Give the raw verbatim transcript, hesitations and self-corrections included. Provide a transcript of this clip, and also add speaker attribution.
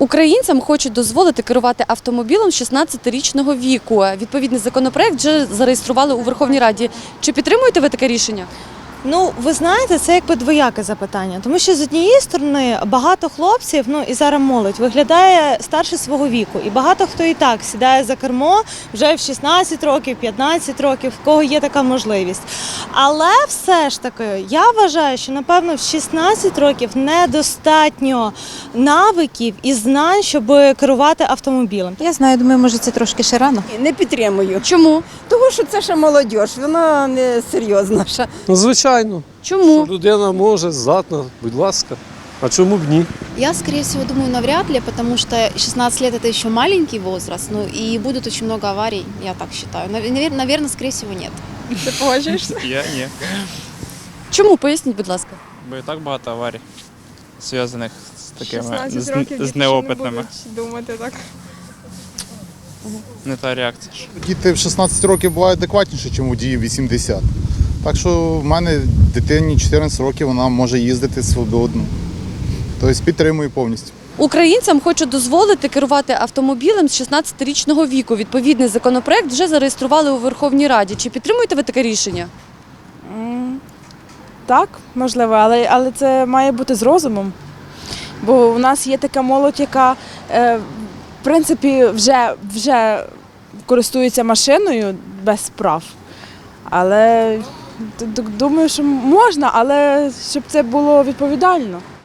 Speaker 1: Українцям хочуть дозволити керувати автомобілем з шістнадцятирічного віку. Відповідний законопроект вже зареєстрували у Верховній Раді. Чи підтримуєте ви таке рішення?
Speaker 2: Ну, ви знаєте, це якби двояке запитання, тому що з однієї сторони багато хлопців, ну і зараз молодь, виглядає старше свого віку. І багато хто і так сідає за кермо вже в шістнадцять років, п'ятнадцять років, в кого є така можливість. Але все ж таки, я вважаю, що, напевно, в шістнадцять років недостатньо навиків і знань, щоб керувати автомобілем.
Speaker 3: Я знаю, думаю, може це трошки ще рано.
Speaker 4: Не підтримую.
Speaker 1: Чому?
Speaker 4: Тому що це ще молодь, вона не серйозна. ще.
Speaker 5: Ну, звичайно,
Speaker 1: Чому?
Speaker 5: що людина може, здатна, будь ласка. А чому б ні?
Speaker 6: Я, скорее всего, думаю, навряд ли, потому что шестнадцать лет – это еще маленький возраст, ну и будет очень много аварий, я так считаю. Наверное, скорее всего, нет.
Speaker 7: Ти погоджуєшся?
Speaker 8: Я ні.
Speaker 1: Чому? Поясніть, будь ласка.
Speaker 8: Бо і так багато аварій, зв'язаних з такими
Speaker 7: шістнадцять
Speaker 8: з,
Speaker 7: років
Speaker 8: з
Speaker 7: діти ще
Speaker 8: неопитними.
Speaker 7: не будуть думати так.
Speaker 8: Не та реакція. ж.
Speaker 9: Діти в шістнадцять років бувають адекватніші, ніж водії в вісімдесят. Так що в мене дитині чотирнадцять років, вона може їздити свободно. Тобто підтримую повністю.
Speaker 1: Українцям хочуть дозволити керувати автомобілем з шістнадцятирічного віку. Відповідний законопроект вже зареєстрували у Верховній Раді. Чи підтримуєте ви таке рішення?
Speaker 10: Так, можливо, але, але це має бути з розумом. Бо у нас є така молодь, яка е, в принципі вже, вже користується машиною без прав. Але д- д- думаю, що можна, але щоб це було відповідально.